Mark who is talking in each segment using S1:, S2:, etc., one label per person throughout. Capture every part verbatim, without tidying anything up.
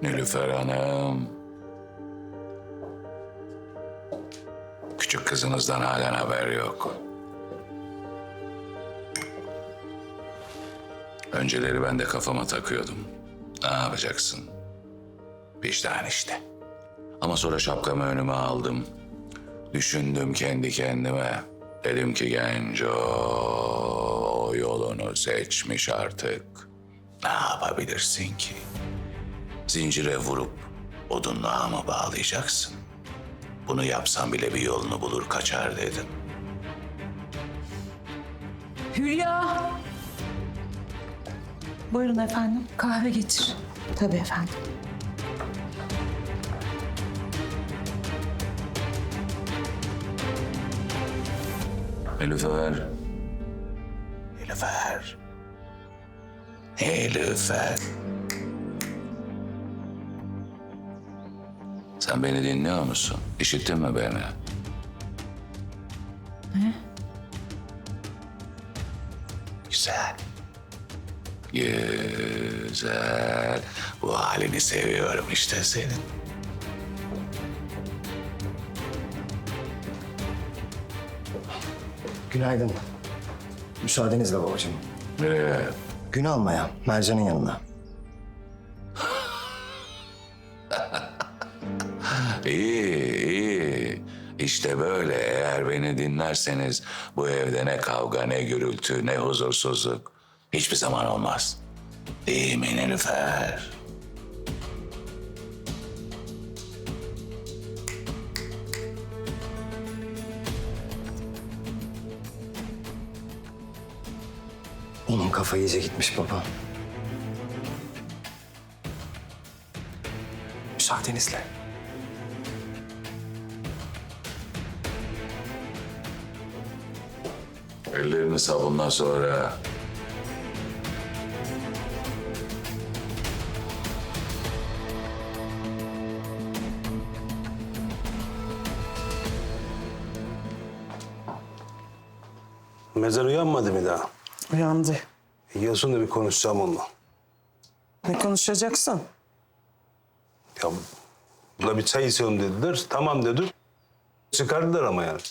S1: Nilüfer Hanım. Küçük kızınızdan halen haber yok. Önceleri ben de kafama takıyordum. Ne yapacaksın? Vicdan işte. Ama sonra şapkamı önüme aldım. Düşündüm kendi kendime. Dedim ki Genco o yolunu seçmiş artık. Ne yapabilirsin ki? Zincire vurup odunluğa mı bağlayacaksın? Bunu yapsam bile bir yolunu bulur kaçar dedim.
S2: Hülya!
S3: Buyurun efendim.
S2: Kahve getir.
S3: Tabii efendim.
S1: Nilüfer. Nilüfer. Nilüfer. Sen beni dinliyor musun? İşittin mi beni?
S2: Ne?
S1: Güzel. Güzel. Bu halini seviyorum işte senin.
S4: Günaydın. Müsaadenizle babacığım.
S1: Nereye?
S4: Gün almaya, Mercan'ın yanına.
S1: İyi, iyi. İşte böyle eğer beni dinlerseniz bu evde ne kavga, ne gürültü, ne huzursuzluk hiçbir zaman olmaz. Değil mi Nilüfer?
S4: Onun kafa iyice gitmiş baba. Müsaadenizle.
S1: Ellerini sabunla sonra.
S5: Mezar uyanmadı mı daha?
S6: Uyandı.
S5: Yiyorsun da bir konuşacağım onunla.
S6: Ne konuşacaksın?
S5: Ya buna bir çay içelim dediler. Tamam dedim. Çıkardılar ama yani.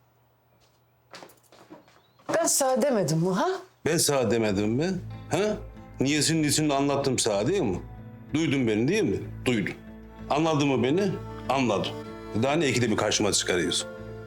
S6: Ben sana demedim mi ha?
S5: Ben sana demedim mi? Ha? Niyesini niyesini anlattım sana değil mi? Duydun beni değil mi? Duydun. Anladın mı beni? Anladım. Daha ne ikide bir karşıma çıkarıyorsun?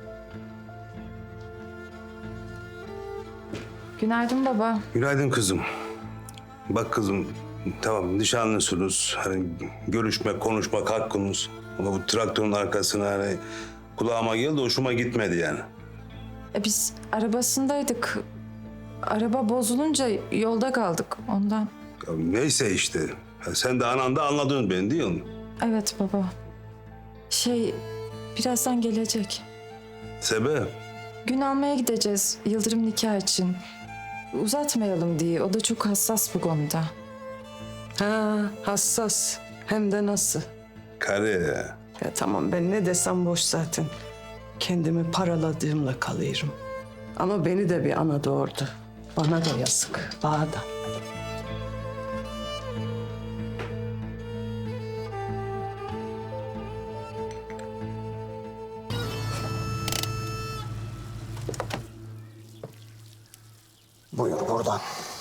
S2: Günaydın baba.
S5: Günaydın kızım. Bak kızım, tamam nişanlısınız. Hani görüşme, konuşmak hakkınız. Ama bu traktörün arkasına hani kulağıma geldi, hoşuma gitmedi yani.
S2: E biz arabasındaydık. Araba bozulunca yolda kaldık ondan.
S5: Ya neyse işte. Ya sen de anan da anladın beni değil mi?
S2: Evet baba. Şey birazdan gelecek.
S5: Sebep?
S2: Gün almaya gideceğiz Yıldırım nikah için. Uzatmayalım diye. O da çok hassas bu konuda.
S6: Ha, hassas. Hem de nasıl?
S5: Kare.
S6: Ya tamam ben ne desem boş zaten. Kendimi paraladığımla kalıyorum. Ama beni de bir ana doğurdu. Bana da yazık. Bana da.
S4: Buyur buradan.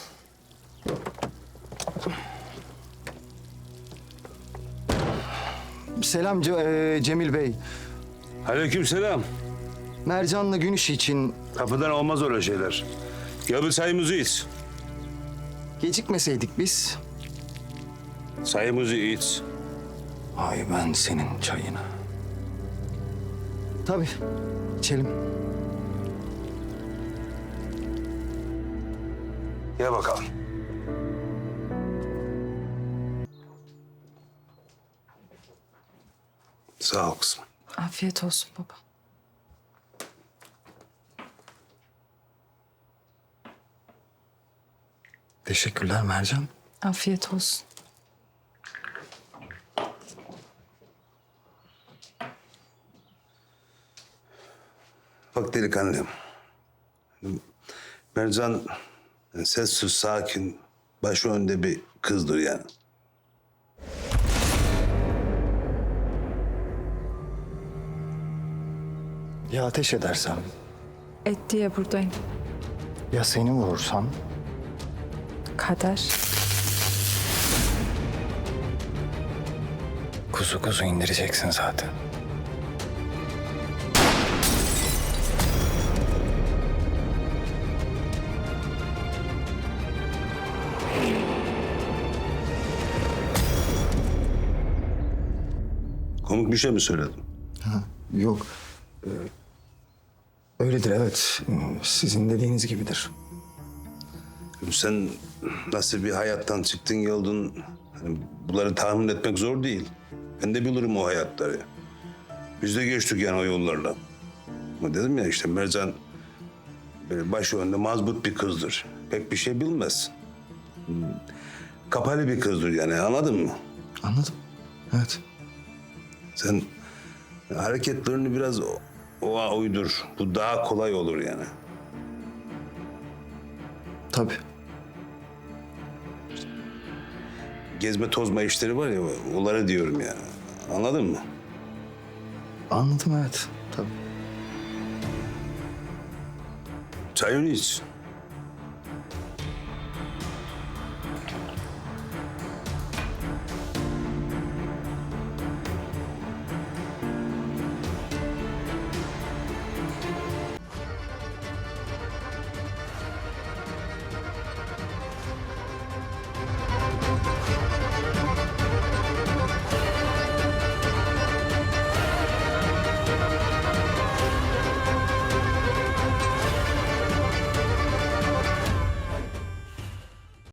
S4: Selam Ce- e, Cemil Bey.
S5: Aleykümselam.
S4: Mercan'la gün işi için
S5: Kapıdan olmaz öyle şeyler. Ya bir çayımızı iç.
S4: gecikmeseydik biz.
S5: Çayımızı iç.
S4: Ay ben senin çayına. Tabii. İçelim.
S5: Gel bakalım. Sağ ol kızım.
S2: Afiyet olsun baba.
S4: Teşekkürler Mercan.
S2: Afiyet olsun.
S5: Bak delikanlım. Mercan sessiz, sakin, başı önde bir kızdır yani.
S4: Ya ateş edersem?
S2: Et diye buradayım.
S4: Ya seni vurursam?
S2: Kader.
S4: Kuzu kuzu indireceksin zaten.
S5: Komik bir şey mi söyledim?
S4: Yok. Ee, öyledir evet. Sizin dediğiniz gibidir.
S5: Sen nasıl bir hayattan çıktın geldin, hani bunları tahmin etmek zor değil. Ben de bilirim o hayatları. Biz de geçtik yani o yollarla. Ama dedim ya işte Mercan böyle başı önde mazbut bir kızdır. Pek bir şey bilmez. Hmm, Kapalı bir kızdır yani, anladın mı?
S4: Anladım. Evet.
S5: Sen hareketlerini biraz o- oğa uydur. Bu daha kolay olur yani.
S4: Tabii.
S5: Gezme tozma işleri var ya, onları diyorum yani. Anladın mı?
S4: Anladım evet. Tabii.
S5: Çayını iç.